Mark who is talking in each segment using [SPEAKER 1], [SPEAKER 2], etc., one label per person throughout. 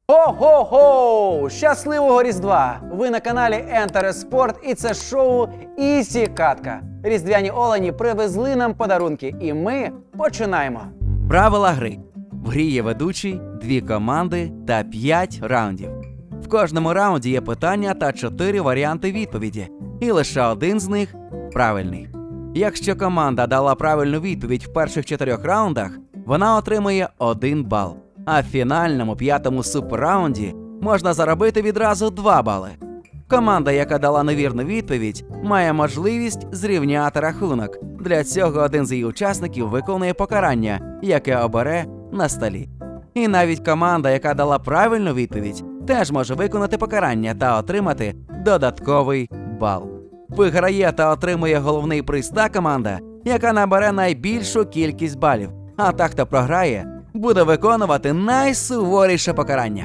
[SPEAKER 1] Хо-хо-хо! Щасливого Різдва! Ви на каналі Enter Sport і це шоу Ісі Катка. Різдвяні олені привезли нам подарунки і ми починаємо.
[SPEAKER 2] Правила гри. В грі є ведучий, 2 команди та 5 раундів. В кожному раунді є питання та 4 варіанти відповіді. І лише один з них правильний. Якщо команда дала правильну відповідь в перших 4 раундах, вона отримує 1 бал. А в фінальному 5-му суперраунді можна заробити відразу 2 бали. Команда, яка дала невірну відповідь, має можливість зрівняти рахунок. Для цього один з її учасників виконує покарання, яке обере на столі. І навіть команда, яка дала правильну відповідь, теж може виконати покарання та отримати додатковий бал. Виграє та отримує головний приз та команда, яка набере найбільшу кількість балів. А та, хто програє, буде виконувати найсуворіше покарання.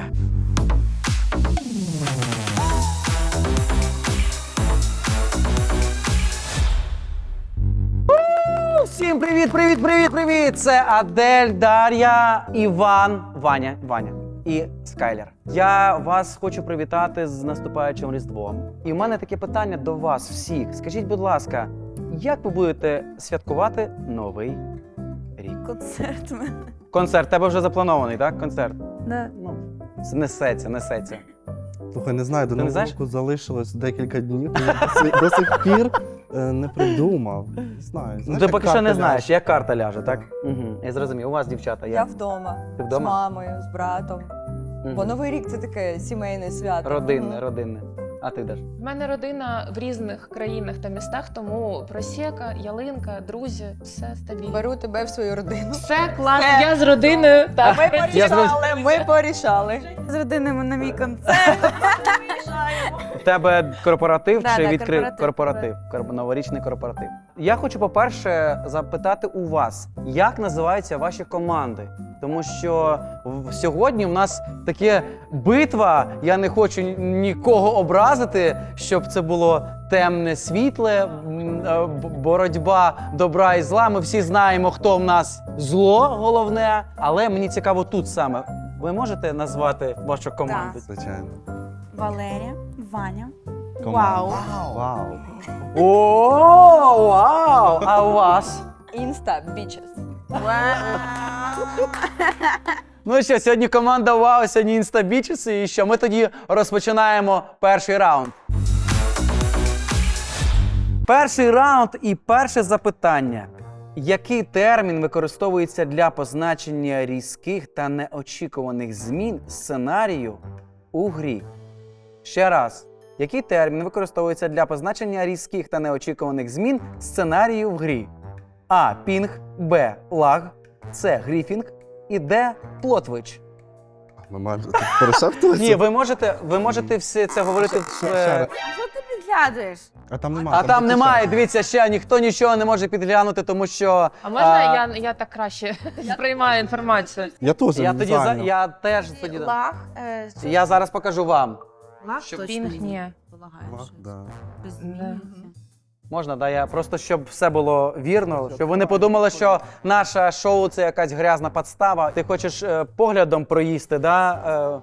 [SPEAKER 1] Всім привіт! Це Адель, Дар'я, Іван, Ваня і Скайлер. Я вас хочу привітати з наступаючим Різдвом. І в мене таке питання до вас всіх. Скажіть, будь ласка, як ви будете святкувати Новий рік?
[SPEAKER 3] Концерт в мене.
[SPEAKER 1] Концерт, тебе вже запланований, так? Концерт?
[SPEAKER 3] Да.
[SPEAKER 1] Ну, несеться.
[SPEAKER 4] Слухай, не знаю, до
[SPEAKER 1] Ти не
[SPEAKER 4] Нового
[SPEAKER 1] знаєш?
[SPEAKER 4] року залишилось декілька днів. Я до сих пір не придумав. Не знаю.
[SPEAKER 1] Ну, ти поки що не знаєш,
[SPEAKER 4] ляже.
[SPEAKER 1] як карта ляже, так? Угу. Я зрозумів. У вас, дівчата,
[SPEAKER 3] Я
[SPEAKER 1] як?
[SPEAKER 3] вдома.
[SPEAKER 1] Ти вдома?
[SPEAKER 3] З мамою, з братом. Бо Новий рік це таке сімейне свято.
[SPEAKER 1] Родинне. А ти Даш?
[SPEAKER 5] У мене родина в різних країнах та містах, тому просека, ялинка, друзі, все стабільно.
[SPEAKER 3] Беру тебе в свою родину.
[SPEAKER 5] Все клас, я з родиною. Так.
[SPEAKER 3] Ми порішали. З родинами на мій концерт.
[SPEAKER 1] У тебе корпоратив
[SPEAKER 3] Да,
[SPEAKER 1] чи
[SPEAKER 3] да,
[SPEAKER 1] відкрив
[SPEAKER 3] корпоратив.
[SPEAKER 1] Новорічний корпоратив. Я хочу, по-перше, запитати у вас, як називаються ваші команди? Тому що сьогодні в нас таке битва, я не хочу нікого образити, щоб це було темне, світле, боротьба добра і зла. Ми всі знаємо, хто в нас зло головне, але мені цікаво тут саме. Ви можете назвати вашу команду?
[SPEAKER 4] Звичайно.
[SPEAKER 6] Валерія, Ваня.
[SPEAKER 4] Команда. Вау.
[SPEAKER 1] О, вау! А у вас?
[SPEAKER 3] Інста, бічес.
[SPEAKER 1] Ну що, сьогодні команда Вау, сьогодні інстабічеси. І що, ми тоді розпочинаємо перший раунд. Перший раунд і перше запитання. Який термін використовується для позначення різких та неочікуваних змін сценарію у грі? Ще раз. Який термін використовується для позначення різких та неочікуваних змін сценарію в грі? А. Пінг, Б. Лаг, С. Гріфінг і Д. Плотвич.
[SPEAKER 4] Нормально. Ти перешептувався?
[SPEAKER 1] Ні, ви можете все це говорити в...
[SPEAKER 4] Ще раз.
[SPEAKER 6] Що ти підглядуєш?
[SPEAKER 4] А там немає.
[SPEAKER 1] А там немає, дивіться, ще ніхто нічого не може підглянути, тому що...
[SPEAKER 5] А можна я так краще сприймаю інформацію?
[SPEAKER 4] Я теж
[SPEAKER 1] Я
[SPEAKER 4] не
[SPEAKER 1] тоді
[SPEAKER 4] знаю.
[SPEAKER 1] я теж тоді...
[SPEAKER 6] Лаг.
[SPEAKER 1] Я зараз покажу вам.
[SPEAKER 6] Лаг
[SPEAKER 5] Що
[SPEAKER 6] точно
[SPEAKER 5] пінг ні.
[SPEAKER 6] Полагаю,
[SPEAKER 4] Лаг,
[SPEAKER 6] що
[SPEAKER 4] да.
[SPEAKER 6] без
[SPEAKER 5] Да.
[SPEAKER 6] змін.
[SPEAKER 1] Можна, да? Я просто, щоб все було вірно, щоб ви не подумали, що наше шоу – це якась грязна підстава. Ти хочеш поглядом проїсти, да?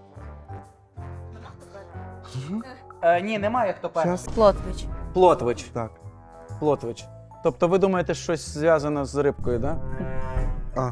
[SPEAKER 1] Ні, немає хто перший.
[SPEAKER 4] Щас.
[SPEAKER 6] Плотвич.
[SPEAKER 1] Плотвич.
[SPEAKER 4] Так.
[SPEAKER 1] Плотвич. Тобто ви думаєте, щось зв'язано з рибкою, да?
[SPEAKER 4] А.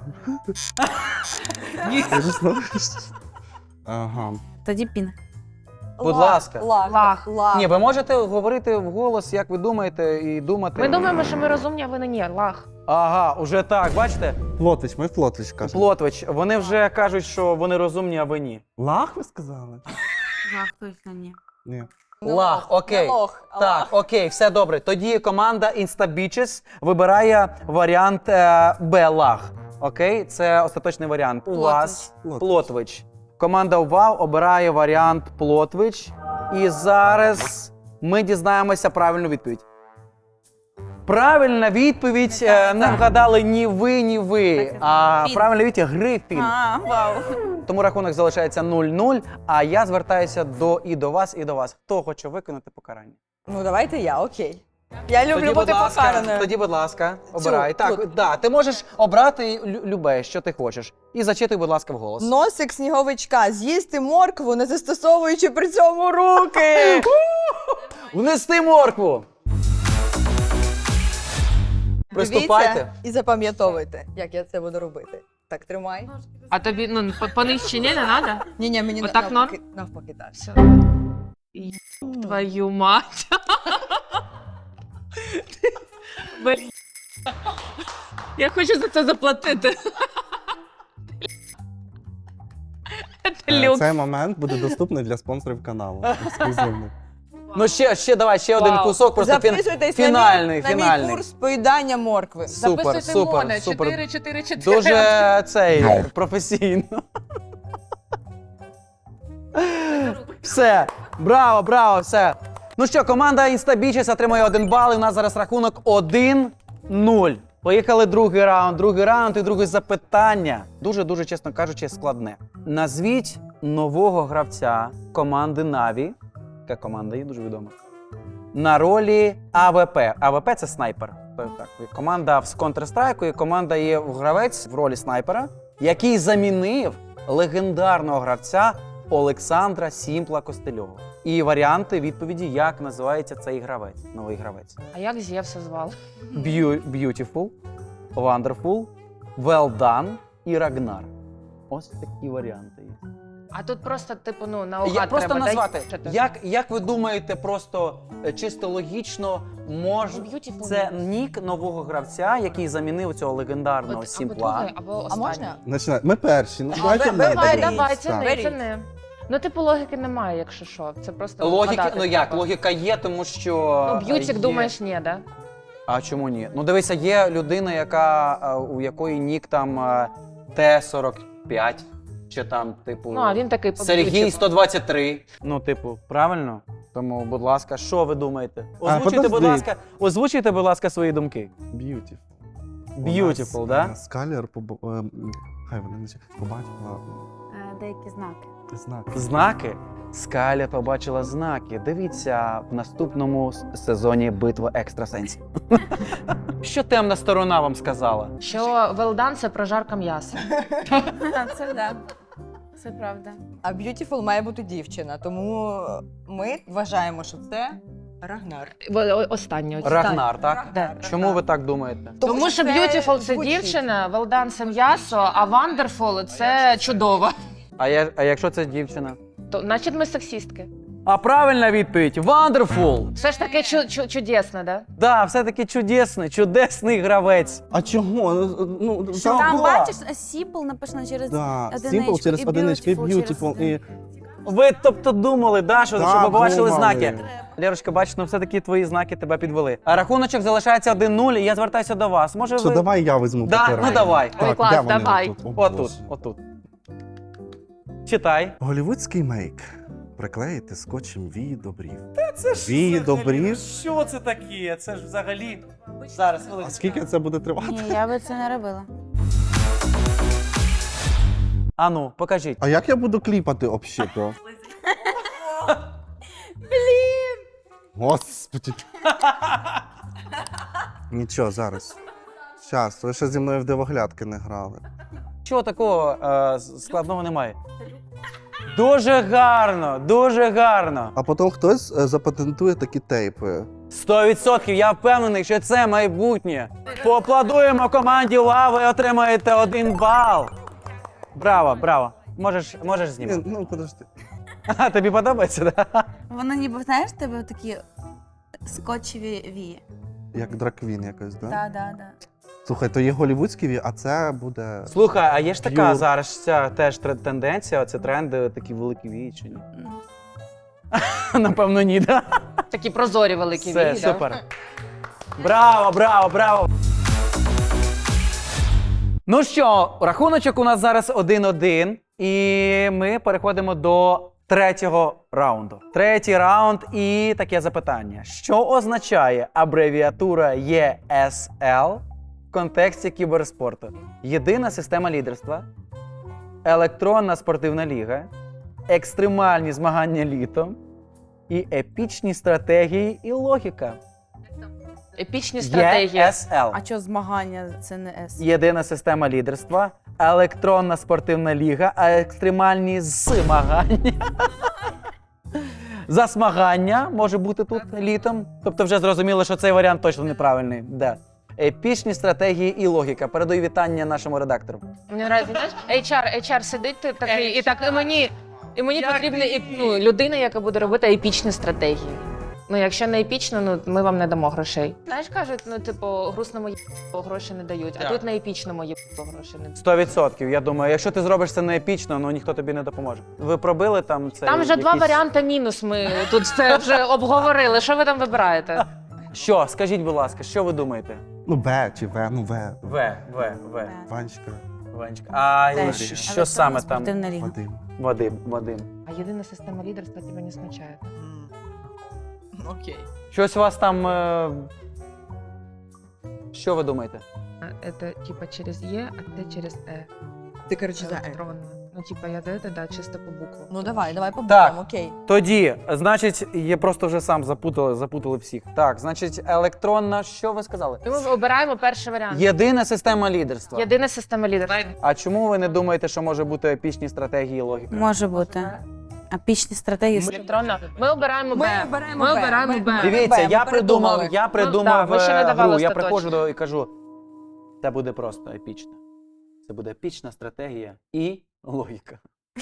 [SPEAKER 4] Я ж знаю. Ага.
[SPEAKER 6] Тоді пінг.
[SPEAKER 1] Будь ласка.
[SPEAKER 5] Лаг.
[SPEAKER 1] Ні, ви можете говорити вголос, як ви думаєте, і думати.
[SPEAKER 5] Ми думаємо, що ми розумні, а ви не ні. Лаг.
[SPEAKER 1] Ага, уже так, бачите?
[SPEAKER 4] Плотвич, ми Плотвич кажемо.
[SPEAKER 1] Плотвич. Вони вже кажуть, що вони розумні, а ви ні.
[SPEAKER 4] Лаг ви сказали?
[SPEAKER 6] Лаг точно ні.
[SPEAKER 4] Ні.
[SPEAKER 1] Лаг, окей.
[SPEAKER 3] Не лох, а
[SPEAKER 1] Так,
[SPEAKER 3] лаг.
[SPEAKER 1] окей, все добре. Тоді команда Instabitches вибирає варіант Б, лаг. Окей, це остаточний варіант. У вас Плотвич. Команда УВАУ обирає варіант Плотвич. І зараз ми дізнаємося правильну відповідь. Правильна відповідь, не вгадали ні ви,
[SPEAKER 6] Так,
[SPEAKER 1] а
[SPEAKER 6] Пін.
[SPEAKER 1] правильна відповідь Грифін.
[SPEAKER 6] А, вау.
[SPEAKER 1] Тому рахунок залишається 0-0, а я звертаюся до вас. Хто хоче виконати покарання?
[SPEAKER 3] Ну давайте я, окей. Я люблю бути покараною.
[SPEAKER 1] Тоді, будь ласка, обирай. Так,
[SPEAKER 3] тут.
[SPEAKER 1] да, ти можеш обрати любе, що ти хочеш. І зачитуй, будь ласка, вголос.
[SPEAKER 3] Носик сніговичка. З'їсти моркву, не застосовуючи при цьому руки.
[SPEAKER 1] Внести моркву! Приступайте.
[SPEAKER 3] Дивіться і запам'ятовуйте, як я це буду робити. Так, тримай.
[SPEAKER 5] А тобі, ну, понижче не треба?
[SPEAKER 3] Ні, мені
[SPEAKER 5] Отак
[SPEAKER 3] навпаки так.
[SPEAKER 5] Все. Твою мать. Блін. Я хочу за це заплатити. Це люкс.
[SPEAKER 4] Цей момент буде доступний для спонсорів каналу. Ексклюзивний.
[SPEAKER 1] Ну давай, ще один
[SPEAKER 5] Вау.
[SPEAKER 1] кусок, просто
[SPEAKER 3] Записуйтесь
[SPEAKER 1] фінальний,
[SPEAKER 3] на мій
[SPEAKER 1] фінальний.
[SPEAKER 3] курс поїдання моркви.
[SPEAKER 1] Супер, супер, супер.
[SPEAKER 5] 4-4-4.
[SPEAKER 1] Дуже професійно. Все, браво, все. Ну що, команда Instabeaches отримує 1 бал, і у нас зараз рахунок 1-0. Поїхали другий раунд і друге запитання. Дуже, чесно кажучи, складне. Назвіть нового гравця команди Na'Vi, яка команда є дуже відома, на ролі АВП. АВП – це снайпер. Так, команда в Counter-Strike, і команда є гравець в ролі снайпера, який замінив легендарного гравця Олександра Сімпла Костельова. І відповіді, як називається цей гравець, новий гравець.
[SPEAKER 5] А як Зевса звали?
[SPEAKER 1] Beautiful, Wonderful, Well Done і Рагнар. Ось такі варіанти є.
[SPEAKER 5] А тут просто, типу, ну, наугад
[SPEAKER 1] Просто
[SPEAKER 5] треба.
[SPEAKER 1] назвати.
[SPEAKER 5] Дай-
[SPEAKER 1] Як ви думаєте, просто чисто логічно,
[SPEAKER 5] Beautiful.
[SPEAKER 1] це нік нового гравця, який замінив цього легендарного
[SPEAKER 5] Або
[SPEAKER 1] Сімпла?
[SPEAKER 5] другий, або
[SPEAKER 3] А
[SPEAKER 5] останній.
[SPEAKER 3] можна?
[SPEAKER 4] Починай. Ми перші. Ну, давайте
[SPEAKER 3] ви-
[SPEAKER 4] ми.
[SPEAKER 3] ви-
[SPEAKER 5] Давай, це
[SPEAKER 4] Так.
[SPEAKER 5] не, це не. Ну, типу, логіки немає, якщо що. Це просто
[SPEAKER 1] Логіки,
[SPEAKER 5] вгадати
[SPEAKER 1] ну як,
[SPEAKER 5] треба.
[SPEAKER 1] логіка є, тому що...
[SPEAKER 5] Ну, б'ютик,
[SPEAKER 1] є-
[SPEAKER 5] думаєш, ні, да?
[SPEAKER 1] А чому ні? Ну дивися, є людина, у якої нік там Т-45, чи там, типу,
[SPEAKER 5] Ну, а він такий по
[SPEAKER 1] Сергій
[SPEAKER 5] б'ютику.
[SPEAKER 1] 123. Ну, типу, правильно? Тому, будь ласка, що ви думаєте?
[SPEAKER 4] подожди.
[SPEAKER 1] Озвучуйте, будь ласка, свої думки.
[SPEAKER 4] Beautiful.
[SPEAKER 1] Beautiful, да?
[SPEAKER 4] Скалер хай вона не побачила
[SPEAKER 6] Деякі знаки.
[SPEAKER 4] знаки.
[SPEAKER 1] Знаки? Скаля побачила знаки. Дивіться в наступному сезоні «Битва екстрасенсів». Що темна сторона вам сказала?
[SPEAKER 5] Що велдан – це прожарка м'яса.
[SPEAKER 6] Це да. Це правда.
[SPEAKER 3] А Beautiful має бути дівчина, тому ми вважаємо, що це Рагнар.
[SPEAKER 5] Останнє.
[SPEAKER 1] Рагнар, так?
[SPEAKER 5] Да.
[SPEAKER 1] Чому ви так думаєте?
[SPEAKER 5] Тому що Beautiful – це
[SPEAKER 3] звучить.
[SPEAKER 5] дівчина, велдан – це м'ясо, а Wonderful – це чудово.
[SPEAKER 1] А якщо це дівчина?
[SPEAKER 5] То, значить, ми сексістки.
[SPEAKER 1] А правильна відповідь – Wonderful!
[SPEAKER 5] Все ж таки чудесно, да?
[SPEAKER 1] Да, все-таки чудесний гравець.
[SPEAKER 4] А чого? Ну,
[SPEAKER 6] Що там, бачиш, Сіпл написано через
[SPEAKER 4] Да,
[SPEAKER 6] одиничку,
[SPEAKER 4] Simple через
[SPEAKER 6] і
[SPEAKER 4] одиничку, і
[SPEAKER 6] Beautiful через
[SPEAKER 4] Beautiful, і...
[SPEAKER 1] Ви, тобто, думали, да, що
[SPEAKER 4] Да,
[SPEAKER 1] ви побачили
[SPEAKER 4] думали.
[SPEAKER 1] знаки? Лєрочка, бачиш, ну все-таки твої знаки тебе підвели. А рахуночок залишається 1-0, і я звертаюся до вас. Може
[SPEAKER 4] Що,
[SPEAKER 1] ви...
[SPEAKER 4] давай я візьму
[SPEAKER 1] Да,
[SPEAKER 4] папір.
[SPEAKER 1] ну давай.
[SPEAKER 5] Ой, клас,
[SPEAKER 4] де вони
[SPEAKER 5] давай.
[SPEAKER 4] отут? О,
[SPEAKER 1] Отут,
[SPEAKER 4] Боже.
[SPEAKER 1] отут. Читай.
[SPEAKER 4] Голівудський мейк. Приклеїти скотчем вії до брів. Вії до брів?
[SPEAKER 1] Що це таке? Це ж взагалі... Зараз,
[SPEAKER 4] А скільки це буде тривати?
[SPEAKER 6] Ні, я би це не робила.
[SPEAKER 1] А ну, покажіть.
[SPEAKER 4] А як я буду кліпати общито? Господи. Нічого, зараз. Щас, ви ще зі мною в дивоглядки не грали.
[SPEAKER 1] Чого такого складного немає? Дуже гарно, дуже гарно.
[SPEAKER 4] А потім хтось запатентує такі тейпи.
[SPEAKER 1] 100%, я впевнений, що це майбутнє. Поаплодуємо команді Лави, отримаєте 1 бал. Браво, браво. Можеш знімати.
[SPEAKER 4] Ну, подожди.
[SPEAKER 1] А, тобі подобається, так?
[SPEAKER 6] Воно ніби, знаєш, в тебе такі скотчеві вії.
[SPEAKER 4] Як драквін якось, да?
[SPEAKER 6] Так, так, так.
[SPEAKER 4] Слухай, то є голівудські вії, а це буде.
[SPEAKER 1] Слухай, а є ж така
[SPEAKER 4] П'юр.
[SPEAKER 1] зараз ця теж тенденція, це тренди такі великі вії чи ні? Напевно, ні, так?
[SPEAKER 5] Такі прозорі великі
[SPEAKER 1] Все,
[SPEAKER 5] вії, да?
[SPEAKER 1] супер. Браво, браво, браво. Ну що, рахуночок у нас зараз 1-1, і ми переходимо до третього раунду. Третій раунд і таке запитання. Що означає абревіатура ESL в контексті кіберспорту? Єдина система лідерства, електронна спортивна ліга, екстремальні змагання літом і епічні стратегії і логіка.
[SPEAKER 5] епічні стратегії.
[SPEAKER 1] ЄСЛ.
[SPEAKER 6] А що змагання це не С?
[SPEAKER 1] Єдина система лідерства, електронна спортивна ліга, а екстремальні змагання. Засмагання може бути тут літом. Тобто вже зрозуміло, що цей варіант точно неправильний. Де? Епічні стратегії і логіка. Передаю вітання нашому редактору.
[SPEAKER 5] Мені подобається, знаєш, HR сидить такий, і так і мені потрібна людина, яка буде робити епічні стратегії. Ну, якщо не епічно, ми вам не дамо грошей. Знаєш, кажуть, грустному гроші не дають, а тут на епічному гроші не дають.
[SPEAKER 1] 100%. Я думаю, якщо ти зробиш це не епічно, ніхто тобі не допоможе. Ви пробили там це?
[SPEAKER 5] Там вже два варіанти мінус, ми тут це вже обговорили. Що ви там вибираєте?
[SPEAKER 1] Що? Скажіть, будь ласка, що ви думаєте?
[SPEAKER 4] Ну, В чи В, ну В.
[SPEAKER 1] В.
[SPEAKER 4] Ванечка,
[SPEAKER 1] Ванечка. А
[SPEAKER 6] Теж.
[SPEAKER 1] що саме там?
[SPEAKER 6] Спортивна ліга.
[SPEAKER 4] Вадим.
[SPEAKER 1] Вадим.
[SPEAKER 5] А єдина система лідерства тебе не смачає.
[SPEAKER 3] Окей.
[SPEAKER 1] Щось у вас там. Що ви думаєте?
[SPEAKER 5] Це типа через Е, а це через Е.
[SPEAKER 3] Ти, коротше, за Е.
[SPEAKER 5] Електронно. Ну, типа, я да, чисто по буквам.
[SPEAKER 3] Ну давай по
[SPEAKER 1] Так.
[SPEAKER 3] буквам, окей.
[SPEAKER 1] Тоді, значить, я просто вже сам запутали всіх. Так, значить, електронна, що ви сказали?
[SPEAKER 5] Ми обираємо перший варіант.
[SPEAKER 1] Єдина система лідерства.
[SPEAKER 5] Єдина система лідерства.
[SPEAKER 1] А чому ви не думаєте, що може бути епічні стратегії і логіка?
[SPEAKER 6] Може бути. Епічні стратегії.
[SPEAKER 5] Електронна. Ми обираємо Б.
[SPEAKER 3] обираємо
[SPEAKER 5] Ми
[SPEAKER 3] Б.
[SPEAKER 5] обираємо
[SPEAKER 3] Ми-
[SPEAKER 5] Б.
[SPEAKER 1] Дивіться,
[SPEAKER 3] Ми
[SPEAKER 1] я придумав
[SPEAKER 5] Ну, да, ви ще не давали
[SPEAKER 1] гру. Я
[SPEAKER 5] остаточно.
[SPEAKER 1] приходжу і кажу, це буде просто епічно. Це буде епічна стратегія і логіка.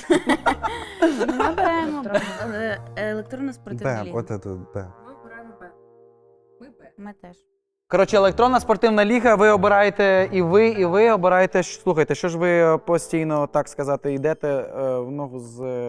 [SPEAKER 6] Ми беремо електронну спортивну
[SPEAKER 4] Б,
[SPEAKER 6] лігу.
[SPEAKER 4] от це Б.
[SPEAKER 5] Ми обираємо Б.
[SPEAKER 6] Ми теж.
[SPEAKER 1] Коротше, електронна спортивна ліга, ви обираєте і ви обираєте. Слухайте, що ж ви постійно, так сказати, йдете в ногу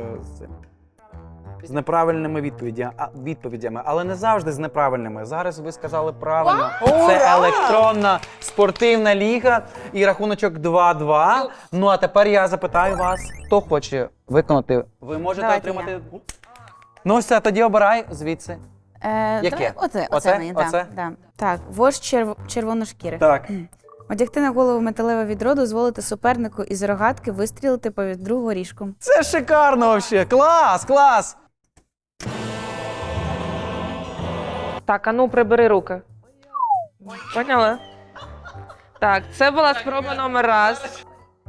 [SPEAKER 1] з неправильними відповідями, але не завжди з неправильними. Зараз ви сказали правильно. Це електронна спортивна ліга і рахуночок 2-2. Ну а тепер я запитаю вас, хто хоче виконати. Ви можете
[SPEAKER 6] Давайте
[SPEAKER 1] отримати. Ну все, тоді обирай звідси. Яке?
[SPEAKER 6] Оце
[SPEAKER 1] Оце?
[SPEAKER 6] мені,
[SPEAKER 1] Оце?
[SPEAKER 6] да. Так, вождь червоношкірих.
[SPEAKER 1] Так.
[SPEAKER 6] Одягти на голову металеве відро, дозволити супернику із рогатки вистрілити по відру горішком.
[SPEAKER 1] Це шикарно взагалі. Клас, клас!
[SPEAKER 5] Так, а ну прибери руки. Поняла? Так, це була спроба номер раз.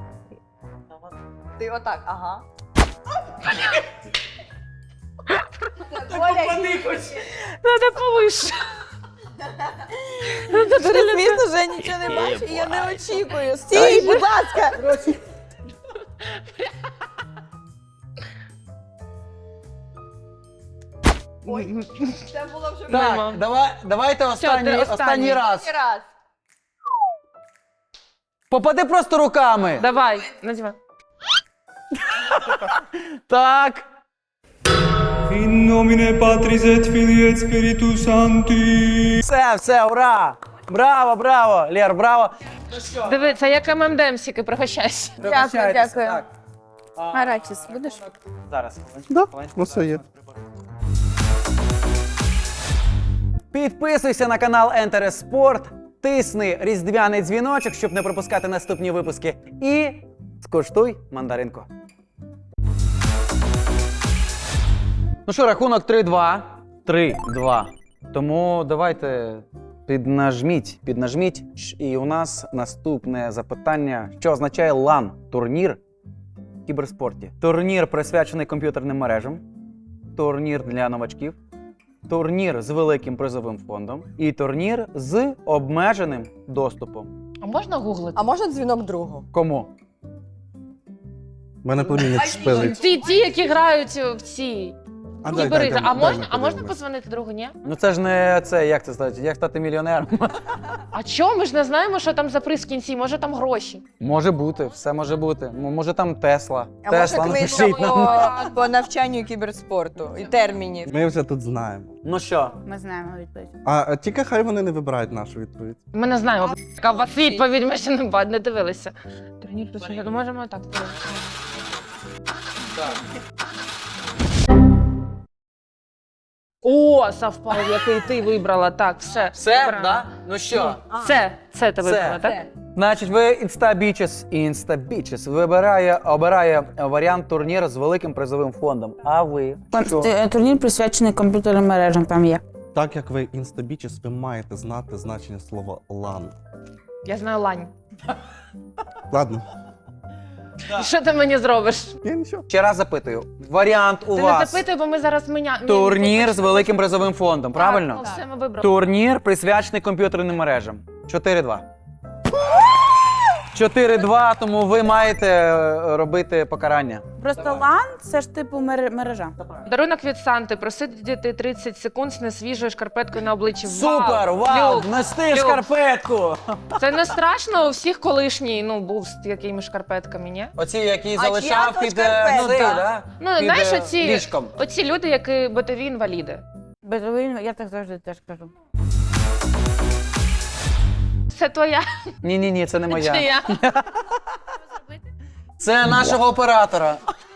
[SPEAKER 3] Ти отак, ага.
[SPEAKER 5] Надо повище.
[SPEAKER 3] Дуже смішно, що я нічого не бачу, і я не очікую. Стій, будь ласка! Ой, це було вже
[SPEAKER 1] Так, давайте останній раз.
[SPEAKER 3] раз.
[SPEAKER 1] Попади просто руками.
[SPEAKER 5] Давай, надівай.
[SPEAKER 1] Так.
[SPEAKER 7] In nomine Patris et Filii et Spiritus Sancti.
[SPEAKER 1] Все, ура! Браво, браво! Лєр, браво!
[SPEAKER 5] Диви, це як ММДМсіки, пригощайся.
[SPEAKER 1] Пригощайтесь.
[SPEAKER 6] дякую.
[SPEAKER 1] Так.
[SPEAKER 6] Арачіс, будеш?
[SPEAKER 1] Зараз.
[SPEAKER 4] Да,
[SPEAKER 1] хвилиночку,
[SPEAKER 4] ну все є.
[SPEAKER 1] Підписуйся на канал Enter Sport, тисни різдвяний дзвіночок, щоб не пропускати наступні випуски. І скуштуй мандаринку. Ну що, рахунок 3-2. 3-2. Тому давайте піднажміть. І у нас наступне запитання, що означає LAN – турнір в кіберспорті. Турнір присвячений комп'ютерним мережам, турнір для новачків, турнір з великим призовим фондом і турнір з обмеженим доступом.
[SPEAKER 5] А можна гуглити?
[SPEAKER 3] А можна дзвінок другу?
[SPEAKER 1] Кому?
[SPEAKER 4] У мене племінник шпилить.
[SPEAKER 5] Ті, які грають в ці
[SPEAKER 4] А дай,
[SPEAKER 5] кібери.
[SPEAKER 4] дай,
[SPEAKER 5] А
[SPEAKER 4] дай,
[SPEAKER 5] можна
[SPEAKER 4] подивимось.
[SPEAKER 5] позвонити другу, ні?
[SPEAKER 1] Ну це ж не це, як це стати? Як стати мільйонером?
[SPEAKER 5] А чого? Ми ж не знаємо, що там за приз в кінці, може там гроші.
[SPEAKER 1] Може бути, все може бути. Може там Тесла.
[SPEAKER 3] А
[SPEAKER 1] Тесла
[SPEAKER 3] може книжка
[SPEAKER 1] напишіть нам.
[SPEAKER 3] по навчанню кіберспорту і термінів?
[SPEAKER 4] Ми вже тут знаємо.
[SPEAKER 1] Ну що?
[SPEAKER 6] Ми знаємо відповідь.
[SPEAKER 4] А тільки хай вони не вибирають нашу відповідь.
[SPEAKER 5] Ми не знаємо, яка у вас відповідь, ми ще не дивилися. Турнір присвячений, ну можемо так. О, совпав, який ти вибрала. Так, все.
[SPEAKER 1] Все,
[SPEAKER 5] вибрала.
[SPEAKER 1] да? Ну що?
[SPEAKER 5] Це ти вибрала, так?
[SPEAKER 1] Значить, ви Instabitches обирає варіант турніру з великим призовим фондом. А ви?
[SPEAKER 6] Турнір присвячений комп'ютерним мережам, там є.
[SPEAKER 4] Так як ви інстабічіс, ви маєте знати значення слова лан.
[SPEAKER 5] Я знаю лань.
[SPEAKER 4] Ладно.
[SPEAKER 5] Що ти мені зробиш?
[SPEAKER 4] Я нічого.
[SPEAKER 1] Ще раз запитую. Варіант у
[SPEAKER 5] Ти не
[SPEAKER 1] вас.
[SPEAKER 5] запитуй, бо ми зараз
[SPEAKER 1] Турнір з великим призовим фондом, правильно?
[SPEAKER 5] Так, ну, все, ми вибрали.
[SPEAKER 1] Турнір присвячений комп'ютерним мережам. 4-2. 4-2, тому ви маєте робити покарання.
[SPEAKER 6] Просто лан це ж типу мережа.
[SPEAKER 5] Дарунок від Санти. Просидіти 30 секунд з несвіжою шкарпеткою на обличчі.
[SPEAKER 1] Супер! Вау!
[SPEAKER 5] Люк,
[SPEAKER 1] Нести
[SPEAKER 5] Люк.
[SPEAKER 1] шкарпетку!
[SPEAKER 5] Це не страшно, у всіх колишній, був з якими шкарпетками, ні?
[SPEAKER 1] Оці, які
[SPEAKER 3] А
[SPEAKER 1] залишав
[SPEAKER 3] чия то
[SPEAKER 1] під
[SPEAKER 3] шкарпетка?
[SPEAKER 1] цей, да?
[SPEAKER 5] Ну,
[SPEAKER 1] Під,
[SPEAKER 5] знаєш, оці,
[SPEAKER 1] ліжком.
[SPEAKER 5] оці люди, які битові інваліди.
[SPEAKER 6] Безовин, я так завжди теж кажу.
[SPEAKER 5] Це твоя
[SPEAKER 1] Ні, це не
[SPEAKER 5] чи
[SPEAKER 1] моя.
[SPEAKER 5] я?
[SPEAKER 1] Це нашого оператора.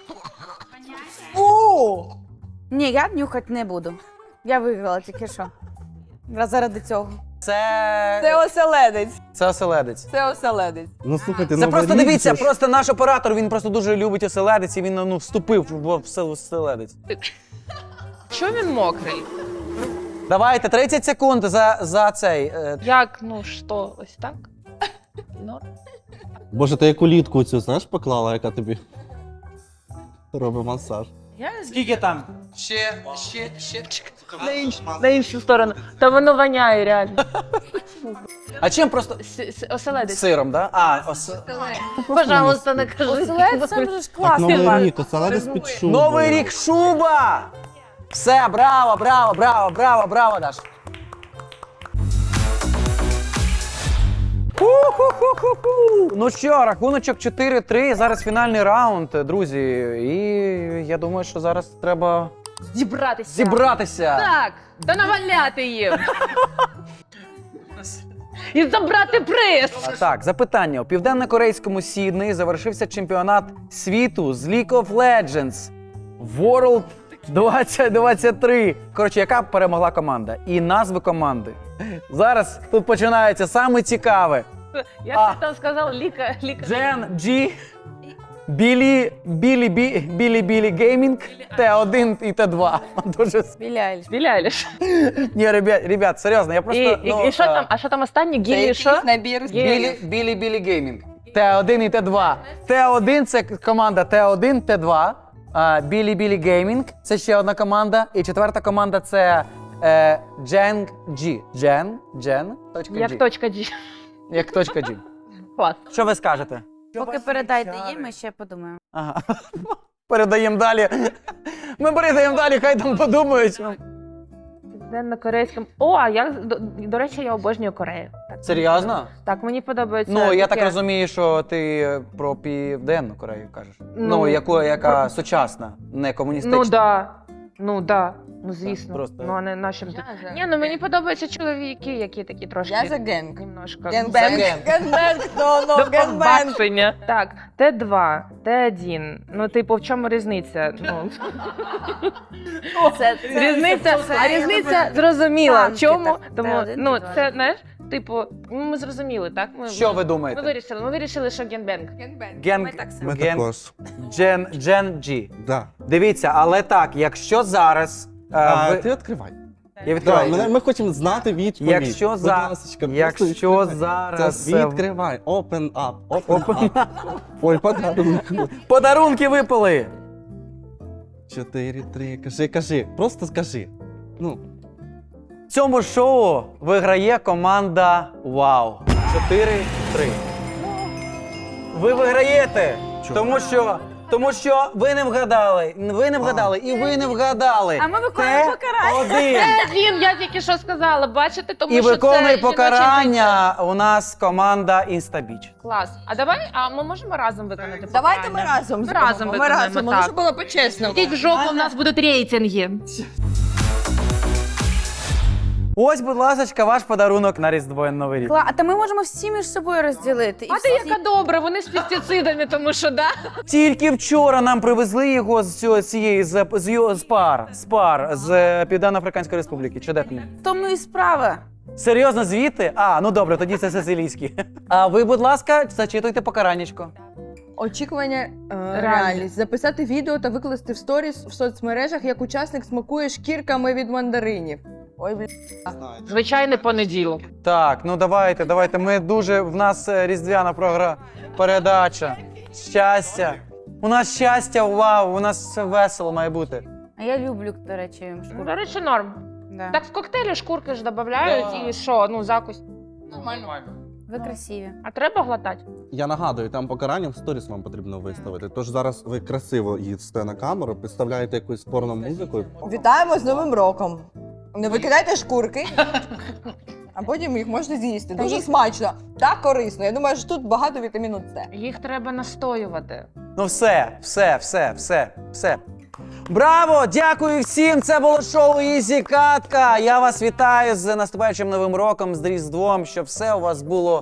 [SPEAKER 6] Ні, я нюхати не буду. Я виграла тільки що. Заради цього.
[SPEAKER 3] Це оселедець.
[SPEAKER 1] Це оселедець.
[SPEAKER 3] Це оселедець.
[SPEAKER 4] Ну слухайте,
[SPEAKER 1] Це
[SPEAKER 4] ну
[SPEAKER 1] просто
[SPEAKER 4] варіть,
[SPEAKER 1] дивіться,
[SPEAKER 4] це ж-
[SPEAKER 1] просто наш оператор, він просто дуже любить оселедець, і він вступив в оселедець.
[SPEAKER 5] Що він мокрий?
[SPEAKER 1] Давайте, 30 секунд за цей.
[SPEAKER 5] Як, що, ось так? Ну,
[SPEAKER 4] Боже, ти яку літку цю, знаєш, поклала, яка тобі робить масаж.
[SPEAKER 1] Скільки там? Ще.
[SPEAKER 5] на іншу сторону. Та воно воняє реально.
[SPEAKER 1] А чим просто
[SPEAKER 5] Оселедець.
[SPEAKER 1] сиром, да?
[SPEAKER 5] Пожалуйста, не кажи.
[SPEAKER 6] Оселедець це вже ж
[SPEAKER 4] Так,
[SPEAKER 6] класний
[SPEAKER 4] новий
[SPEAKER 6] лан.
[SPEAKER 4] рік, оселедець під шубою.
[SPEAKER 1] Новий рік шуба! Все, браво, Даш. Ху-ху-ху-ху-ху. Ну що, рахуночок 4-3, зараз фінальний раунд, друзі. І я думаю, що зараз треба зібратися.
[SPEAKER 5] Так, та наваляти їм. І забрати приз.
[SPEAKER 1] Так, запитання. У південно-корейському Сіднеї завершився чемпіонат світу з League of Legends World 2023. Коротше, яка перемогла команда? І назви команди. Зараз тут починається саме цікаве.
[SPEAKER 5] Як ти там сказав, ліка.
[SPEAKER 1] Джен Джі, Білі Геймінг, Т1 і Т2. Дуже
[SPEAKER 6] Білі Айліш.
[SPEAKER 5] Біляєш.
[SPEAKER 1] ні, ребят, серйозно, я просто
[SPEAKER 5] І що там? А що там останнє?
[SPEAKER 3] Це
[SPEAKER 5] Гілі що?
[SPEAKER 3] якийсь набір.
[SPEAKER 1] Білі Геймінг. Т1 і Т2. Т1 це команда Т1, Т2. Білі Геймінг це ще одна команда. І четверта команда це Джен G. Точка
[SPEAKER 5] Як
[SPEAKER 1] G.
[SPEAKER 5] точка G.
[SPEAKER 1] Як точка G.
[SPEAKER 5] Клас.
[SPEAKER 1] Що ви скажете?
[SPEAKER 6] Поки передайте їм, ми ще подумаємо.
[SPEAKER 1] Ага. Передаємо далі. Ми передаємо далі, хай там подумають.
[SPEAKER 5] Південно-корейським. О, а я, до речі, я обожнюю Корею. Так,
[SPEAKER 1] Серйозно?
[SPEAKER 5] Так, мені подобається.
[SPEAKER 1] Ну, я так
[SPEAKER 5] таке.
[SPEAKER 1] розумію, що ти про Південну Корею кажеш. Ну, яка сучасна, не комуністична.
[SPEAKER 5] Ну да. Ну, звісно.
[SPEAKER 1] Просто-
[SPEAKER 5] Ну, а не нашим.
[SPEAKER 3] Я за.
[SPEAKER 5] Ні, ну мені подобаються чоловіки, які такі трошки.
[SPEAKER 3] Я за генг.
[SPEAKER 5] Немножко.
[SPEAKER 3] Генбенг. Генбенг.
[SPEAKER 5] До
[SPEAKER 3] Генбенг.
[SPEAKER 5] побачення. Так, Т2, Т1. Ну, типу, в чому різниця? Ну, різниця зрозуміла. В
[SPEAKER 6] танки,
[SPEAKER 5] чому?
[SPEAKER 6] так,
[SPEAKER 5] Тому,
[SPEAKER 6] Т1,
[SPEAKER 5] ну,
[SPEAKER 6] Т2.
[SPEAKER 5] це, знаєш, типу, ми зрозуміли, так?
[SPEAKER 1] Що ви
[SPEAKER 5] Ми
[SPEAKER 1] думаєте?
[SPEAKER 5] вирішили, що генбенг.
[SPEAKER 1] Ген,
[SPEAKER 6] так само.
[SPEAKER 4] Ми
[SPEAKER 1] Ген,
[SPEAKER 4] також.
[SPEAKER 1] Джен G.
[SPEAKER 4] Да.
[SPEAKER 1] Дивіться, але так, якщо зараз.
[SPEAKER 4] Ти відкривай.
[SPEAKER 1] Я
[SPEAKER 4] Да,
[SPEAKER 1] відкриваю.
[SPEAKER 4] ми хочемо знати відповідь.
[SPEAKER 1] Якщо
[SPEAKER 4] Будь
[SPEAKER 1] за-
[SPEAKER 4] ласочка,
[SPEAKER 1] якщо
[SPEAKER 4] просто
[SPEAKER 1] зараз,
[SPEAKER 4] Це відкривай. Open up. Open up. Ой, подарунок.
[SPEAKER 1] Подарунки випали.
[SPEAKER 4] 4-3. Кажи. Просто скажи. Ну,
[SPEAKER 1] В цьому шоу виграє команда Вау. 4-3. Ви виграєте, тому що ви не вгадали. Ви не вгадали і ви не вгадали.
[SPEAKER 6] А ми виконуємо покарання.
[SPEAKER 5] Він, я тільки що сказала, бачите, тому
[SPEAKER 1] І
[SPEAKER 5] що
[SPEAKER 1] виконує
[SPEAKER 5] це жіночий
[SPEAKER 1] покарання у нас команда Інстабіч.
[SPEAKER 5] клас. А ми можемо разом виконати
[SPEAKER 3] Давайте ми
[SPEAKER 5] покарання?
[SPEAKER 3] разом
[SPEAKER 5] Ми
[SPEAKER 3] зробимо.
[SPEAKER 5] разом
[SPEAKER 3] Ми
[SPEAKER 5] виконаємо,
[SPEAKER 3] разом.
[SPEAKER 5] так.
[SPEAKER 3] Щоб було по-чесному.
[SPEAKER 5] Йдіть в жопу, у нас будуть рейтинги.
[SPEAKER 1] Ось, будь ласка, ваш подарунок на Різдво і Новий рік.
[SPEAKER 6] А та ми можемо всі між собою розділити. І
[SPEAKER 5] А ти
[SPEAKER 6] всі-
[SPEAKER 5] яка добра, вони з пестицидами, тому що, да?
[SPEAKER 1] Тільки вчора нам привезли його з пар з Південно-Африканської Республіки. Чи де там?
[SPEAKER 6] В тому і справа.
[SPEAKER 1] Серйозно, звідти? А, ну добре, тоді це сицилійський. А ви, будь ласка, зачитуйте покараннячко.
[SPEAKER 3] Очікування реальність. Записати відео та викласти в сторіс в соцмережах, як учасник смакує шкірками від мандаринів. Ой, блін.
[SPEAKER 5] Звичайний понеділок.
[SPEAKER 1] Так, ну давайте. Ми дуже. В нас різдвяна передача. Щастя. У нас щастя, вау, у нас все весело має бути.
[SPEAKER 6] А я люблю, до речі, шкурку.
[SPEAKER 5] До речі, норм.
[SPEAKER 6] Да.
[SPEAKER 5] Так в коктейлі шкурки ж додають і що, ну закусь.
[SPEAKER 6] Ви красиві.
[SPEAKER 5] А треба глотати?
[SPEAKER 4] Я нагадую, там покарання в сторіс вам потрібно виставити. Тож зараз ви красиво їдете на камеру, підставляєте якусь порно музику.
[SPEAKER 3] Вітаємо з Новим роком. Не викидайте шкурки, а потім їх можете з'їсти. Дуже смачно та корисно. Я думаю, що тут багато вітаміну С.
[SPEAKER 5] Їх треба настоювати.
[SPEAKER 1] Ну все. Браво! Дякую всім! Це було шоу Ізі Катка. Я вас вітаю з наступаючим Новим роком, з Різдвом, щоб все у вас було.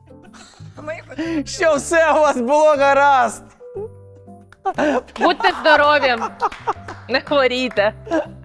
[SPEAKER 1] Щоб все у вас було гаразд!
[SPEAKER 5] Будьте здорові! Не хворійте!